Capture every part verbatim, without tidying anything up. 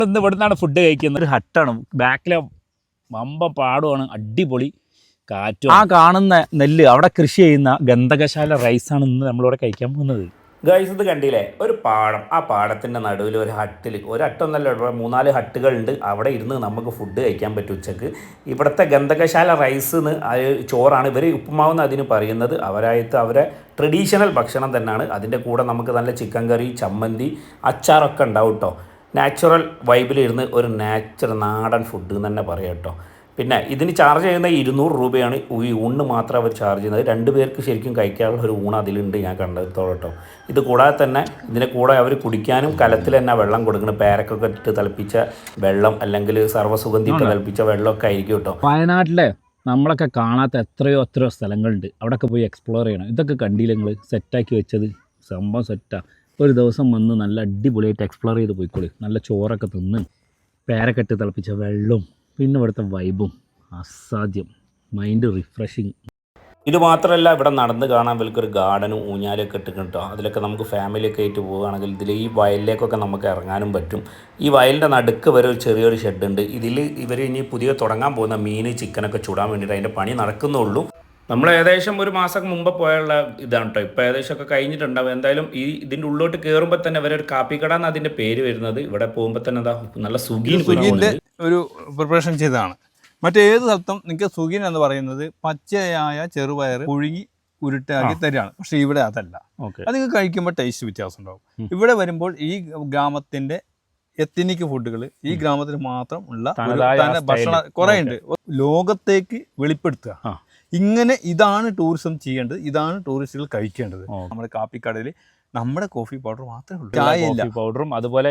ഇന്ന് ഇവിടുന്നാണ് ഫുഡ് കഴിക്കുന്നത്. ഒരു ഹട്ടാണ്, ബാക്കിലെ വമ്പ പാടുമാണ്, അടിപൊളി കാറ്റും. ആ കാണുന്ന നെല്ല് അവിടെ കൃഷി ചെയ്യുന്ന ഗന്ധകശാല റൈസാണ് ഇന്ന് നമ്മളിവിടെ കഴിക്കാൻ പോകുന്നത്. ഗൈസ് ഇത് കണ്ടില്ലേ, ഒരു പാടം. ആ പാടത്തിൻ്റെ നടുവിൽ ഒരു ഹട്ടിൽ, ഒരു ഹട്ടൊന്നല്ല, ഇവിടെ മൂന്നാല് ഹട്ടുകളുണ്ട്. അവിടെ ഇരുന്ന് നമുക്ക് ഫുഡ് കഴിക്കാൻ പറ്റും ഉച്ചക്ക്. ഇവിടുത്തെ ഗന്ധകശാല റൈസ് എന്ന് ചോറാണ് ഇവർ ഉപ്പുമാവെന്ന് അതിന് പറയുന്നത്. അവരായിട്ട് അവരെ ട്രഡീഷണൽ ഭക്ഷണം തന്നെയാണ്. അതിൻ്റെ കൂടെ നമുക്ക് നല്ല ചിക്കൻ കറി, ചമ്മന്തി, അച്ചാറൊക്കെ ഉണ്ടാവും കേട്ടോ. നാച്ചുറൽ വൈബിലിരുന്ന് ഒരു നാച്ചുറൽ നാടൻ ഫുഡ് എന്ന് തന്നെ പറയാം കേട്ടോ. പിന്നെ ഇതിന് ചാർജ് ചെയ്യുന്ന ഇരുന്നൂറ് രൂപയാണ്. ഈ ഊണ് മാത്രം അവർ ചാർജ് ചെയ്യുന്നത്. രണ്ട് പേർക്ക് ശരിക്കും കഴിക്കാനുള്ള ഒരു ഊണ് അതിലുണ്ട്, ഞാൻ കണ്ടെടുത്തോളം കേട്ടോ. ഇത് കൂടാതെ തന്നെ ഇതിനെ കൂടെ അവർ കുടിക്കാനും കലത്തിൽ തന്നെ വെള്ളം കൊടുക്കണം. പേരക്കൊക്കെ ഇട്ട് തിളപ്പിച്ച വെള്ളം, അല്ലെങ്കിൽ സർവ്വസുഗന്ധി ഇട്ട് തിളപ്പിച്ച വെള്ളമൊക്കെ ആയിരിക്കും കേട്ടോ. വയനാട്ടിലെ നമ്മളൊക്കെ കാണാത്ത എത്രയോ എത്രയോ സ്ഥലങ്ങളുണ്ട്. അവിടെയൊക്കെ പോയി എക്സ്പ്ലോർ ചെയ്യണം. ഇതൊക്കെ കണ്ടില്ല നിങ്ങൾ, സെറ്റാക്കി വെച്ചത് സംഭവം സെറ്റാണ്. ഒരു ദിവസം വന്ന് നല്ല അടിപൊളിയായിട്ട് എക്സ്പ്ലോർ ചെയ്ത് പോയിക്കോളി. നല്ല ചോറൊക്കെ തിന്ന് പേരൊക്കെ ഇട്ട് തിളപ്പിച്ച വെള്ളവും പിന്നെ ഇവിടുത്തെ വൈബും അസാധ്യം, മൈൻഡ് റിഫ്രഷിങ്. ഇത് മാത്രമല്ല, ഇവിടെ നടന്ന് കാണാൻ വലിയൊരു ഗാർഡനും ഊഞ്ഞാലൊക്കെ ഇട്ടിട്ടുണ്ട് കേട്ടോ. അതിലൊക്കെ നമുക്ക് ഫാമിലിയൊക്കെ ആയിട്ട് പോവുകയാണെങ്കിൽ ഇതിൽ ഈ വയലിലേക്കൊക്കെ നമുക്ക് ഇറങ്ങാനും പറ്റും. ഈ വയലിൻ്റെ നടുക്ക് വരെ ഒരു ചെറിയൊരു ഷെഡുണ്ട്. ഇതിൽ ഇവർ ഇനി പുതിയ തുടങ്ങാൻ പോകുന്ന മീൻ, ചിക്കനൊക്കെ ചുടാൻ വേണ്ടിയിട്ട് അതിൻ്റെ പണി നടക്കുന്നുള്ളൂ. നമ്മൾ ഏകദേശം ഒരു മാസം മുമ്പ് പോയുള്ള ഇതാണ് കേട്ടോ. ഇപ്പോൾ ഏകദേശം ഒക്കെ കഴിഞ്ഞിട്ടുണ്ടാവും. എന്തായാലും ഈ ഇതിൻ്റെ ഉള്ളോട്ട് കയറുമ്പോൾ തന്നെ വരെ ഒരു കാപ്പിക്കട എന്ന് അതിൻ്റെ പേര് വരുന്നത്. ഇവിടെ പോകുമ്പോൾ തന്നെ എന്താ നല്ല സുഗീൻ്റെ ഒരു പ്രിപ്പറേഷൻ ചെയ്തതാണ്. മറ്റേത് സ്ഥലത്തും നിങ്ങൾക്ക് സുഗീൻ എന്ന് പറയുന്നത് പച്ചയായ ചെറുപയർ പുഴുങ്ങി ഉരുട്ടാക്കി തരികയാണ്. പക്ഷെ ഇവിടെ അതല്ല. അത് നിങ്ങൾക്ക് കഴിക്കുമ്പോൾ ടേസ്റ്റ് വ്യത്യാസം ഉണ്ടാവും. ഇവിടെ വരുമ്പോൾ ഈ ഗ്രാമത്തിന്റെ എത്തനിക് ഫുഡുകൾ ഈ ഗ്രാമത്തിന് മാത്രം ഉള്ള ഭക്ഷണ കുറേ ഉണ്ട്. ലോകത്തേക്ക് വെളിപ്പെടുത്തുക. ഇങ്ങനെ ഇതാണ് ടൂറിസം ചെയ്യേണ്ടത്, ഇതാണ് ടൂറിസ്റ്റുകൾ കഴിക്കേണ്ടത്. നമ്മുടെ കാപ്പിക്കടയിൽ നമ്മുടെ കോഫി പൗഡർ മാത്രമേ ഉള്ളൂ, ചായയില്ല. പൗഡറും അതുപോലെ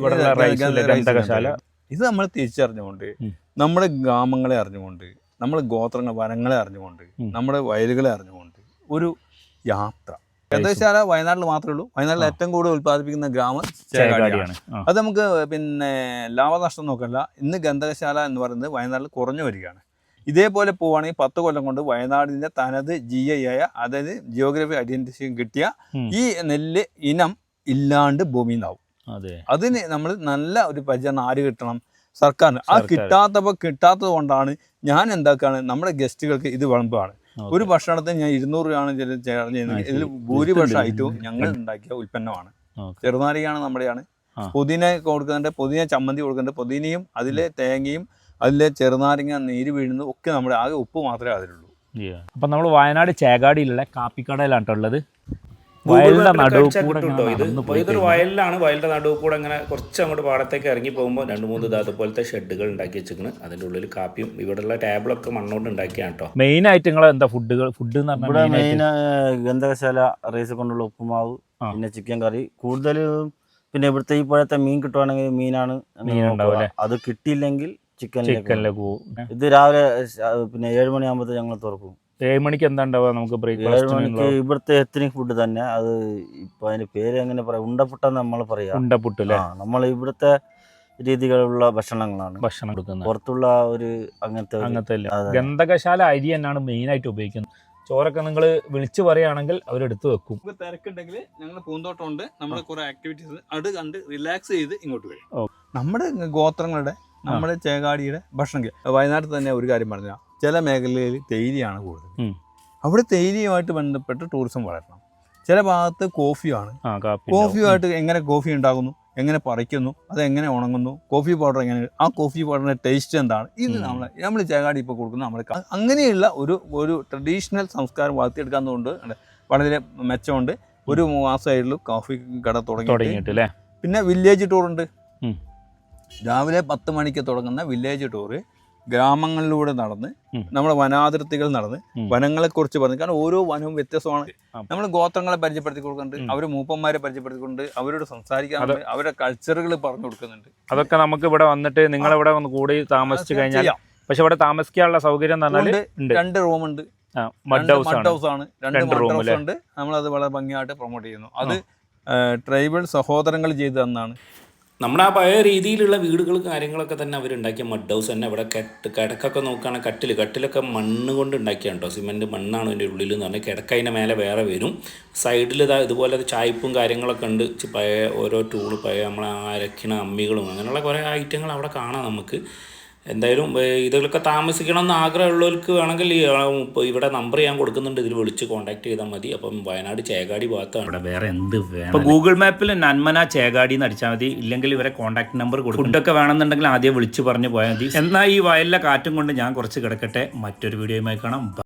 ഇത് നമ്മൾ തിരിച്ചറിഞ്ഞുകൊണ്ട് നമ്മുടെ ഗ്രാമങ്ങളെ അറിഞ്ഞുകൊണ്ട്, നമ്മുടെ ഗോത്രങ്ങൾ വനങ്ങളെ അറിഞ്ഞുകൊണ്ട്, നമ്മുടെ വയലുകളെ അറിഞ്ഞുകൊണ്ട് ഒരു യാത്ര. ഗന്ധകശാല വയനാട്ടിൽ മാത്രമേ ഉള്ളൂ. വയനാട്ടിൽ ഏറ്റവും കൂടുതൽ ഉത്പാദിപ്പിക്കുന്ന ഗ്രാമം ചേകാടിയാണ്. അത് നമുക്ക് പിന്നെ ലാഭനഷ്ടം നോക്കല്ല. ഇന്ന് ഗന്ധകശാല എന്ന് പറയുന്നത് വയനാട്ടിൽ കുറഞ്ഞു വരികയാണ്. ഇതേപോലെ പോവുകയാണെങ്കിൽ പത്ത് കൊല്ലം കൊണ്ട് വയനാടിൻ്റെ തനത് ജി ഐ ആയ, അതായത് ജിയോഗ്രഫി ഐഡന്റിഫിക്കേഷൻ കിട്ടിയ ഈ നെല്ല് ഇനം ഇല്ലാണ്ട് ഭൂമിയിൽ നിന്നാവും. അതിന് നമ്മൾ നല്ല ഒരു പരിചരണം ആര് കിട്ടണം? സർക്കാരിന്. ആ കിട്ടാത്തപ്പോൾ കിട്ടാത്തത് കൊണ്ടാണ് ഞാൻ എന്താക്കാണ് നമ്മുടെ ഗസ്റ്റുകൾക്ക് ഇത് വിളമ്പാണ്. ഒരു ഭക്ഷണത്തിന് ഞാൻ ഇരുന്നൂറ് രൂപയാണ് ചാർജ് ചെയ്യുന്നത്. ഇതിൽ ഭൂരിപക്ഷം ഐറ്റവും ഞങ്ങൾ ഉണ്ടാക്കിയ ഉൽപ്പന്നമാണ്. ചെറുനാരികയാണ് നമ്മുടെയാണ്. പുതിന കൊടുക്കുന്നുണ്ട്, പുതിന ചമ്മന്തി കൊടുക്കുന്നുണ്ട്. പുതിനയും അതിലെ തേങ്ങയും അതിലെ ചെറുനാരങ്ങ നീര് വീഴുന്നത് ഒക്കെ നമ്മുടെ ആകെ ഉപ്പ് മാത്രമേ അതിലുള്ളൂ. അപ്പം നമ്മൾ വയനാട് ചേകാടിയിലുള്ള കാപ്പിക്കടയിലാണ് ഉള്ളത്. വയലിന്റെ നടുവ് കൂടെ ഇതൊരു വയലിലാണ്. വയലിന്റെ നടുവ് കൂടെ അങ്ങനെ കുറച്ച് അങ്ങോട്ട് പാടത്തേക്ക് ഇറങ്ങി പോകുമ്പോൾ രണ്ട് മൂന്ന് ഇതുപോലത്തെ ഷെഡുകൾ ഉണ്ടാക്കി വെച്ചിരിക്കുന്നത്. അതിൻ്റെ ഉള്ളിൽ കാപ്പിയും ഇവിടെയുള്ള ടേബിളൊക്കെ മണ്ണോണ്ട് ഉണ്ടാക്കിയാണ് കേട്ടോ. മെയിൻ ആയിട്ട് നിങ്ങൾ എന്താ ഫുഡുകൾ ഫുഡ് ഇവിടെ മെയിൻ ഗന്ധകശാല റൈസ് കൊണ്ടുള്ള ഉപ്പുമാവ്, പിന്നെ ചിക്കൻ കറി കൂടുതലും. പിന്നെ ഇവിടുത്തെ ഈ പുഴത്തെ മീൻ കിട്ടുവാണെങ്കിൽ മീനാണ്. അത് കിട്ടിയില്ലെങ്കിൽ ചിക്കനിലേക്ക് പോകും. ഇത് രാവിലെ പിന്നെ ഏഴ് മണിയാകുമ്പോൾ ഞങ്ങൾ തുറക്കും. ഏഴ് മണിക്ക് എന്താ ഉണ്ടാവുക നമുക്ക് ബ്രേക്ക്ഫാസ്റ്റ്? ഇവിടുത്തെ എത്തനിക് ഫുഡ് തന്നെ. അത് ഇപ്പൊ അതിന്റെ പേര് എങ്ങനെ പറയാം, ഉണ്ടപ്പുട്ടെന്ന് നമ്മൾ പറയാം. ഉണ്ടപ്പുട്ട് അല്ലേ? നമ്മൾ ഇവിടുത്തെ രീതികളുള്ള ഭക്ഷണങ്ങളാണ് ഭക്ഷണം കൊടുക്കുന്നത്. പുറത്തുള്ള ഒരു അങ്ങനത്തെ അങ്ങനത്തെ ഗന്ധകശാല അരി തന്നെയാണ് മെയിൻ ആയിട്ട് ഉപയോഗിക്കുന്നത്. ചോറൊക്കെ നിങ്ങൾ വിളിച്ചു പറയുകയാണെങ്കിൽ അവരെടുത്ത് വെക്കും. തിരക്കുണ്ടെങ്കിൽ ഞങ്ങൾ പൂന്തോട്ടം ഉണ്ട്, നമ്മുടെ കുറെ ആക്ടിവിറ്റീസ് അത് കണ്ട് റിലാക്സ് ചെയ്ത് ഇങ്ങോട്ട് വരും. നമ്മുടെ ഗോത്രങ്ങളുടെ, നമ്മുടെ ചേകാടിയുടെ ഭക്ഷണം. വയനാട്ടിൽ തന്നെ ഒരു കാര്യം പറഞ്ഞാൽ ചില മേഖലയിൽ തേയിലയാണ് കൂടുതൽ. അവിടെ തേയിലയുമായിട്ട് ബന്ധപ്പെട്ട് ടൂറിസം വളരണം. ചില ഭാഗത്ത് കോഫിയാണ്. കോഫിയുമായിട്ട് എങ്ങനെ കോഫി ഉണ്ടാകുന്നു, എങ്ങനെ പറിക്കുന്നു, അത് എങ്ങനെ ഉണങ്ങുന്നു, കോഫി പൗഡർ എങ്ങനെ, ആ കോഫി പൗഡറിന്റെ ടേസ്റ്റ് എന്താണ്, ഇത് നമ്മൾ നമ്മൾ ചേകാടി ഇപ്പോൾ കൊടുക്കുന്ന നമ്മൾ അങ്ങനെയുള്ള ഒരു ഒരു ട്രഡീഷണൽ സംസ്കാരം വളർത്തിയെടുക്കാവുന്നതുകൊണ്ട് വളരെ മെച്ചമുണ്ട്. ഒരു മാസമായിട്ടുള്ളൂ കോഫി കട തുടങ്ങിയിട്ട്. പിന്നെ വില്ലേജ് ടൂറുണ്ട്. രാവിലെ പത്ത് മണിക്ക് തുടങ്ങുന്ന വില്ലേജ് ടൂറ് ഗ്രാമങ്ങളിലൂടെ നടന്ന് നമ്മുടെ വനാതിർത്തികൾ നടന്ന് വനങ്ങളെക്കുറിച്ച് പറഞ്ഞു. കാരണം ഓരോ വനവും വ്യത്യസ്തമാണ്. നമ്മൾ ഗോത്രങ്ങളെ പരിചയപ്പെടുത്തി കൊടുക്കുന്നുണ്ട്, അവർ മൂപ്പന്മാരെ പരിചയപ്പെടുത്തിക്കൊണ്ട് അവരോട് സംസാരിക്കാറുണ്ട്, അവരുടെ കൾച്ചറുകൾ പറഞ്ഞു കൊടുക്കുന്നുണ്ട്. അതൊക്കെ നമുക്ക് ഇവിടെ വന്നിട്ട് നിങ്ങളിവിടെ ഒന്ന് കൂടി താമസിച്ചു കഴിഞ്ഞാൽ, പക്ഷെ ഇവിടെ താമസിക്കാനുള്ള സൗകര്യം രണ്ട് റൂമുണ്ട്, മഡ് ഹൗസ് ആണ്, രണ്ട് മഡ് ഹൗസ് ഉണ്ട്. നമ്മളത് വളരെ ഭംഗിയായിട്ട് പ്രൊമോട്ട് ചെയ്യുന്നു. അത് ട്രൈബൽ സഹോദരങ്ങൾ ചെയ്തു തന്നാണ്. നമ്മുടെ ആ പഴയ രീതിയിലുള്ള വീടുകൾ കാര്യങ്ങളൊക്കെ തന്നെ അവരുണ്ടാക്കിയ മഡ് ഹൗസ് തന്നെ. ഇവിടെ കെട്ട് കിടക്കൊക്കെ നോക്കുകയാണെങ്കിൽ കട്ടിൽ കട്ടിലൊക്കെ മണ്ണ് കൊണ്ട് ഉണ്ടാക്കിയാണ് കേട്ടോ. സിമെൻറ്റ് മണ്ണാണ് അതിൻ്റെ ഉള്ളിൽ എന്ന് പറഞ്ഞാൽ കിടക്ക അതിൻ്റെ മേലെ വേറെ വരും. സൈഡിൽ ഇതാ ഇതുപോലെ ചായ്പും കാര്യങ്ങളൊക്കെ ഉണ്ട്. പഴയ ഓരോ ടൂള് പഴയ നമ്മളെ അരക്കണ അമ്മികളും അങ്ങനെയുള്ള കുറേ ഐറ്റങ്ങൾ അവിടെ കാണാം നമുക്ക്. എന്തായാലും ഇതിലൊക്കെ താമസിക്കണം എന്ന് ആഗ്രഹമുള്ളവർക്ക് വേണമെങ്കിൽ ഇവിടെ നമ്പർ ഞാൻ കൊടുക്കുന്നുണ്ട്, ഇതിൽ വിളിച്ച് കോൺടാക്ട് ചെയ്താൽ മതി. അപ്പം വയനാട് ചേകാടി ഭാഗത്താണ്. ഇവിടെ വേറെ എന്ത് വേണം. ഇപ്പോൾ ഗൂഗിൾ മാപ്പിൽ നന്മന ചേകാടി എന്ന് അടിച്ചാൽ മതി, ഇല്ലെങ്കിൽ ഇവരെ കോൺടാക്ട് നമ്പർ കൊടുക്കും. ഫുഡൊക്കെ വേണമെന്നുണ്ടെങ്കിൽ ആദ്യം വിളിച്ച് പറഞ്ഞ് പോയാൽ മതി. എന്നാൽ ഈ വയലിലെ കാറ്റും കൊണ്ട് ഞാൻ കുറച്ച് കിടക്കട്ടെ. മറ്റൊരു വീഡിയോയുമായി കാണാം.